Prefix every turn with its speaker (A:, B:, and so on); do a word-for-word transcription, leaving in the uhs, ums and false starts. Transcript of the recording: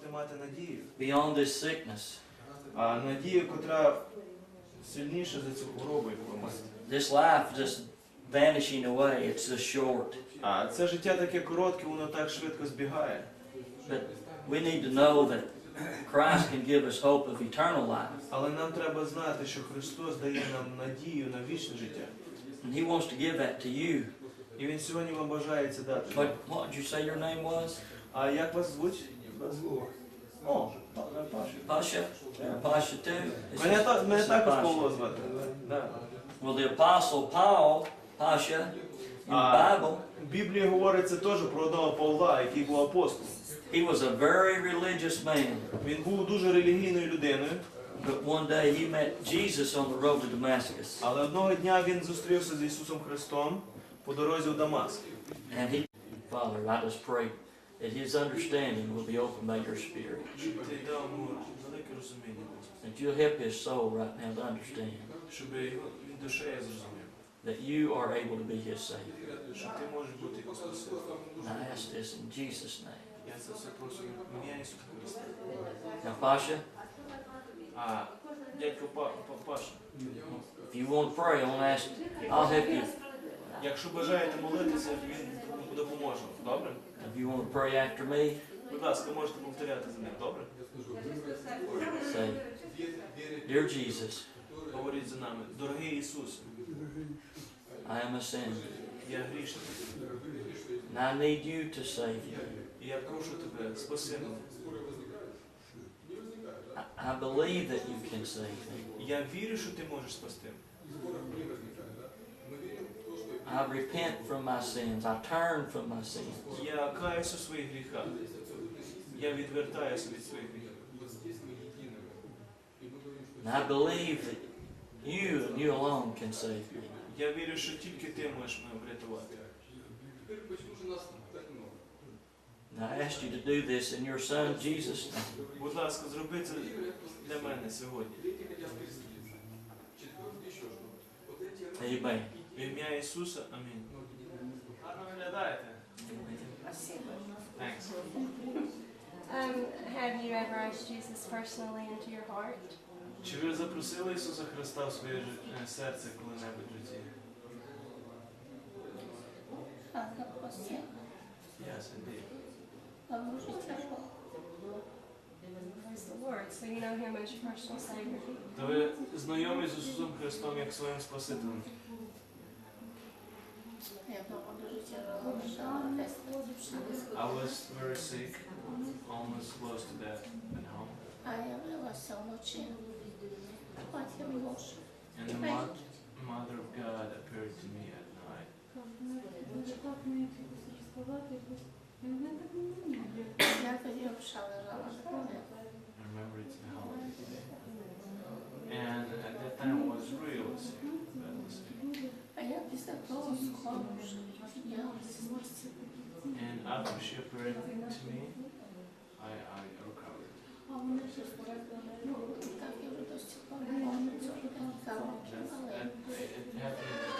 A: мати надію.
B: Beyond this sickness.
A: А надію, котра сильніша за цю хворобу, яку ви маєте.
B: This life just vanishing away, it's just short.
A: А це життя таке коротке, воно так швидко збігає.
B: But we need to know that Christ can give us hope of eternal life.
A: Але нам треба знати, що Христос дає нам надію на вічне життя.
B: And He wants to give that to you.
A: І Він сьогодні вам бажає це дати.
B: What, what did you say your name was?
A: А як вас звуть? О, Паша.
B: Pasha? You're Pasha too? This
A: Мене,
B: is-
A: та-
B: this
A: мене
B: is
A: також
B: Pasha.
A: Павло звати. Да.
B: Well, the Apostle Paul, Pasha, in the
A: А
B: Bible,
A: в Біблії говориться теж про одного Павла, який був апостолом.
B: he was a very religious man.
A: Він був дуже релігійною людиною,
B: But one day he met Jesus on the road to Damascus.
A: але одного дня він зустрівся з Ісусом Христом по дорозі в Дамаск.
B: And he, Father, I just pray that his understanding will be opened by your Spirit.
A: Щоб ти дав йому велике розуміння, Господи.
B: That you'll help his soul right now to understand
A: Щоб його він душею зрозумів,
B: that you are able to be his Savior.
A: що ти можеш бути його спасителем.
B: And I ask this in Jesus' name.
A: Я це все прошу в ім'я Ісуса Христа.
B: Now, Pasha,
A: А дядько Па- Па- Паша,
B: if you want to pray, I want to ask, I'll help you.
A: якщо бажаєте молитися, він допоможе. Добре?
B: If you want to pray after me,
A: Будь ласка, можете повторяти за ним. Добре?
B: say, Dear Jesus,
A: Говоріть за нами. Дорогий Ісус,
B: I am a sinner,
A: я грішник.
B: and I need you to save me.
A: І я прошу тебе, спаси мене.
B: I, I believe that you can save me.
A: Я вірю, що ти можеш спасти.
B: I repent from my sins. I turn from my sins.
A: Я каюсь у своїх гріхах. Я відвертаюся від своїх гріхів.
B: And I believe that you and you alone can save me.
A: Я вірю, що тільки ти можеш мене врятувати.
B: And I ask you to do this in your Son Jesus' name.
A: Будь ласка, зроби це для мене сьогодні.
B: Amen.
A: В ім'я Ісуса. Амінь. Гарно виглядаєте. Thanks.
C: Um, have you ever asked Jesus personally into your heart?
A: Чи ви запросили Ісуса Христа в своє жи- е, серце коли-небудь в житті? Yes, indeed.
C: Praise the Lord. So you know Him as your personal Savior.
A: То ви знайомі з Ісусом Христом як своїм Спасителем? I was very sick, almost close to death at home. And the mo- Mother of God appeared to me at night. I remember it's now. And at that time I was really sick, badly sick. And after she appeared to me, I, I recovered. That, that, it happened